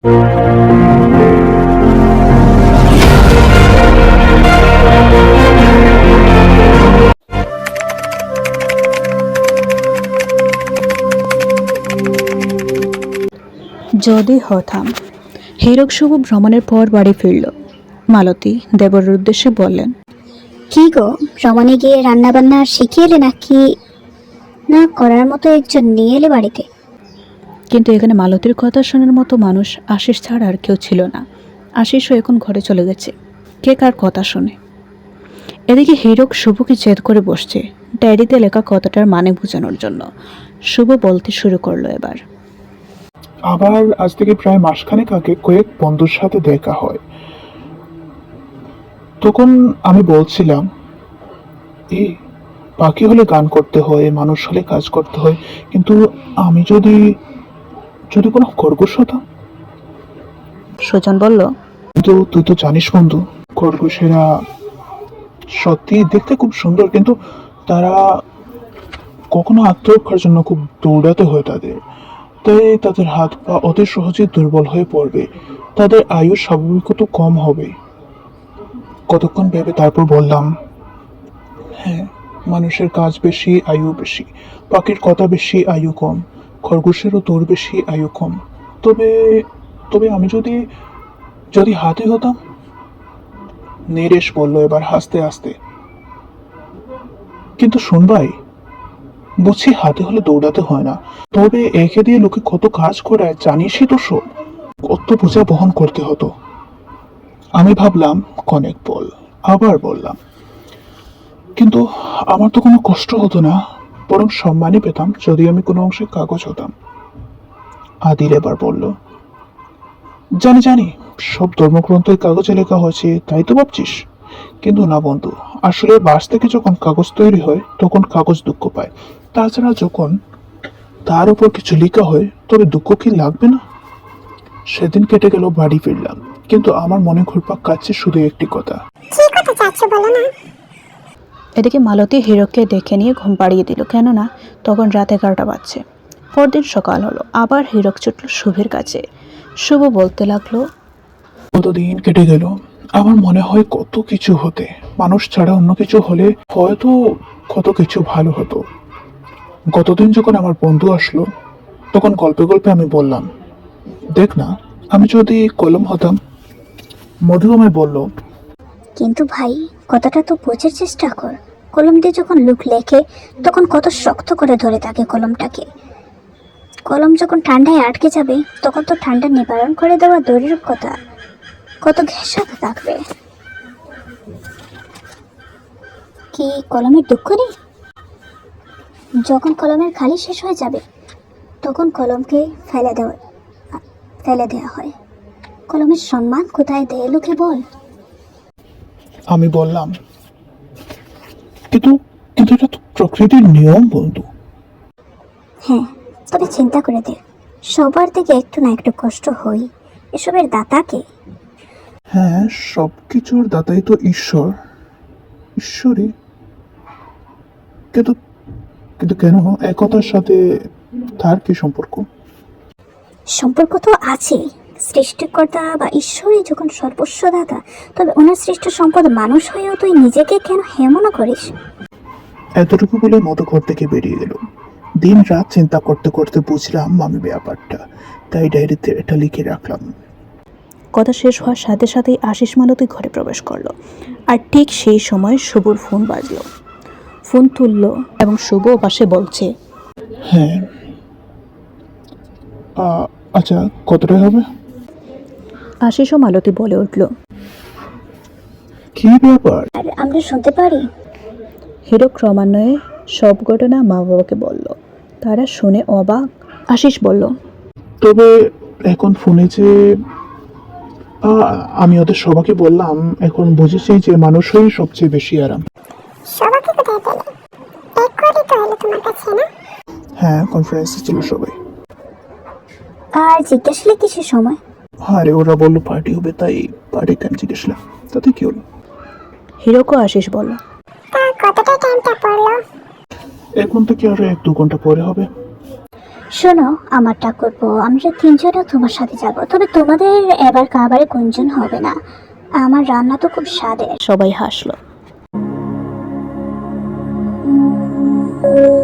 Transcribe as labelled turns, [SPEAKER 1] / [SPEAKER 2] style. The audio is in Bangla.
[SPEAKER 1] যদি হতাম। হীরক শুভ ভ্রমণের পর বাড়ি ফিরল। মালতী দেবর উদ্দেশ্যে বললেন,
[SPEAKER 2] কি গো, ভ্রমণে গিয়ে রান্না বান্না শিখিয়ে এলে নাকি না করার মতো একজন নিয়ে এলে বাড়িতে?
[SPEAKER 1] কিন্তু এখানে মালতীর কথা শোনার মতো মানুষ আশিস ছাড়া আর কেউ ছিল না। আশিসও এখন ঘরে চলে গেছে, কে কার কথা শোনে। এদিকে হীরক শুভকে জেদ করে বসছে ডায়েরিতে লেখা কথাটার মানে বোঝানোর জন্য। শুভ বলতে শুরু করলো এবার।
[SPEAKER 3] আবার আজ থেকে প্রায় মাসখানেক আগে কয়েক বন্ধুর সাথে দেখা হয়। তখন আমি বলছিলাম, এই পাখি হলে গান করতে হয়, মানুষ হলে কাজ করতে হয়, কিন্তু আমি যদি যদি কোনো খরগোশ হতাম।
[SPEAKER 1] সুজন বলল,
[SPEAKER 3] কিন্তু তুই তো জানিস বন্ধু, খরগোশেরা সত্যি দেখতে খুব সুন্দর, কিন্তু তারা কখনো আত্মরক্ষার জন্য খুব দৌড়াতে হয় তাদের। তাই তাদের হাত পা অতি সহজে দুর্বল হয়ে পড়বে, তাদের আয়ু স্বাভাবিকত কম হবে। কতক্ষণ ভেবে তারপর বললাম, হ্যাঁ, মানুষের কাজ বেশি, আয়ু বেশি, পাখির কথা বেশি, আয়ু কম, খরগোশেরও দৌড় বেশি, আয়ু কম। তবে তবে আমি যদি যদি হাতি হতাম। নীরেশ বলল এবার হাসতে হাসতে, কিন্তু শোন ভাই, বুঝছি হাতে হলে দৌড়াতে হয় না, তবে একে দিয়ে লোকে কত কাজ করায় জানিসই তো সব, কত বোঝা বহন করতে হতো। আমি ভাবলাম কনেক বল, আবার বললাম, কিন্তু আমার তো কোনো কষ্ট হতো না, বরং সম্মানই পেতাম যদি আমি কোনো অংশে কাগজ হতাম। আদিল এবার বলল, জানি জানি, সব ধর্মগ্রন্থই কাগজে লেখা হয়েছে তাই তো ভাবছিস, কিন্তু না বন্ধু, আসলে বাঁশ থেকে যখন কাগজ তৈরি হয় তখন কাগজ দুঃখ পায়। তাছাড়া যখন তার উপর কিছু লেখা হয় তবে দুঃখ কি লাগবে না? সেদিন কেটে গেল, বাড়ি ফিরলাম, কিন্তু আমার মনে ঘুরপাক কাটছে শুধু একটি কথা।
[SPEAKER 1] এদিকে মালতী হীরককে দেখে নিয়ে ঘুম পাড়িয়ে দিল, কেননা তখন রাত 11টা বাজছে। পরদিন সকাল হলো, আবার হীরক ছুটল শুভের কাছে। শুভ বলতে লাগলো,
[SPEAKER 3] কতদিন কেটে গেল, আমার মনে হয় কত কিছু হতে, মানুষ ছাড়া অন্য কিছু হলে হয়তো কত কিছু ভালো হতো। গতদিন যখন আমার বন্ধু আসলো, তখন গল্পে গল্পে আমি বললাম, দেখ না, আমি যদি কলম হতাম। মধু আমায় বলল,
[SPEAKER 2] কিন্তু ভাই, কথাটা তো বোঝার চেষ্টা কর। কলম দিয়ে যখন লোক লেখে তখন কত শক্ত করে ধরে থাকে কলমটাকে। কলম যখন ঠান্ডায় আটকে যাবে তখন তো ঠান্ডা নিবারণ করে দেওয়া দূরের কথা, কত ঘেঁষাতে থাকবে। কি কলমের দুঃখ নেই? যখন কলমের খালি শেষ হয়ে যাবে তখন কলমকে ফেলে দেওয়া হয়। কলমের সম্মান কোথায় দেয় লোকে বল?
[SPEAKER 3] আমি বললাম, কিন্তু কিন্তু এটা তো প্রকৃতির নিয়ম বন্ধু।
[SPEAKER 2] হ্যাঁ, তবে চিন্তা করে দেখ, সবার থেকে একটু না একটু কষ্ট হই, এসবের দাতাকে।
[SPEAKER 3] হ্যাঁ, সবকিছুর দাতাই তো ঈশ্বর, ঈশ্বরই। কিন্তু কিন্তু কেন একতার সাথে তার কি সম্পর্ক?
[SPEAKER 2] সম্পর্ক তো আছে। সৃষ্টিকর্তা বা ঈশ্বরই যখন সর্বস্ব দাতা, তবে ওনার সৃষ্ট সম্পদ মানুষ হয়েও তুই নিজেকে কেন হেমনা করিস?
[SPEAKER 3] এতটুকু বলে মতো ঘর থেকে বেরিয়ে গেল। দিন রাত চিন্তা করতে করতে বুঝলাম আমি ব্যাপারটা, তাই ডায়েরিতে এটা লিখে রাখলাম।
[SPEAKER 1] কথা শেষ হওয়ার সাথে সাথেই আশিস মালতী ঘরে প্রবেশ করলো। আর ঠিক সেই সময় শুভর ফোন বাজলো। ফোন তুললো এবং শুভ পাশে বলছে,
[SPEAKER 3] হ্যাঁ, আচ্ছা, কতটা হবে?
[SPEAKER 1] আশিস ও মালতী বলে উঠল,
[SPEAKER 3] কি ব্যাপার?
[SPEAKER 2] আর আমরা শুনতে পারি?
[SPEAKER 1] হীরক ক্রমান্বয়ে সব ঘটনা মা বাবাকে বলল। তারা শুনে অবাক। আশিস বলল,
[SPEAKER 3] তবে এখন ফোনে যে আমি ওদের সবাইকে বললাম, এখন বুঝেছি যে মানুষই সবচেয়ে বেশি আরাম।
[SPEAKER 2] সবাইকে কোথায় পেলে? এক করে তো হলো তোমার কাছে না?
[SPEAKER 3] হ্যাঁ, কনফারেন্সে ছিল সবাই।
[SPEAKER 2] আর জিজ্ঞাসলে কিসের সময়?
[SPEAKER 3] আরে ওরা বললো পার্টি হবে, তাই পার্টিতে আমি জিজ্ঞেসলাম, তাতে কি হলো?
[SPEAKER 1] হীরক ও আশিস বলল,
[SPEAKER 2] তা কতটা টাইমটা পড়লো?
[SPEAKER 3] এখন থেকে আরো 1-2 ঘন্টা পরে হবে।
[SPEAKER 2] শোনো আমার ঠাকুরপো, আমরা তিনজনও তোমার সাথে যাব, তবে তোমাদের এবার খাবারে গুঞ্জন হবে না। আমার রান্না তো খুব স্বাদের।
[SPEAKER 1] সবাই হাসলো।